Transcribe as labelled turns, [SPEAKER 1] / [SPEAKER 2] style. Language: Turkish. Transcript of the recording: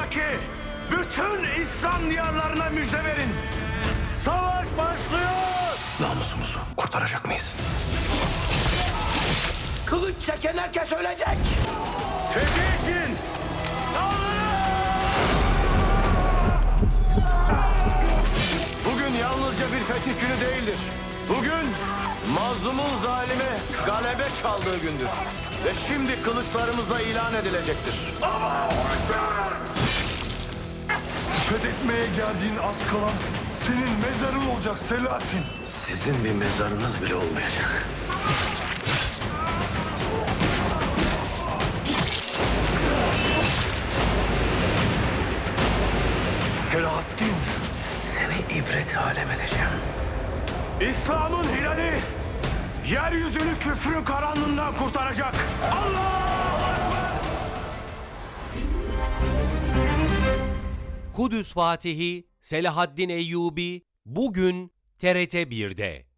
[SPEAKER 1] dünyadaki bütün İslam diyarlarına müjde verin. Savaş başlıyor.
[SPEAKER 2] Namusumuzu kurtaracak mıyız?
[SPEAKER 1] Kılıç çeken herkes ölecek. Fethi için saldırın! Bugün yalnızca bir fetih günü değildir. Bugün mazlumun zalime galebe çaldığı gündür. Ve şimdi kılıçlarımızla ilan edilecektir.
[SPEAKER 3] Fethetmeye geldiğin az kalan senin mezarın olacak Selahattin.
[SPEAKER 2] Sizin bir mezarınız bile olmayacak.
[SPEAKER 3] Selahattin.
[SPEAKER 2] Seni ibret alem edeceğim.
[SPEAKER 1] İslam'ın hilali yeryüzünü küfrün karanlığından kurtaracak. Allah!
[SPEAKER 4] Kudüs Fatihi Selahaddin Eyyubi bugün TRT 1'de.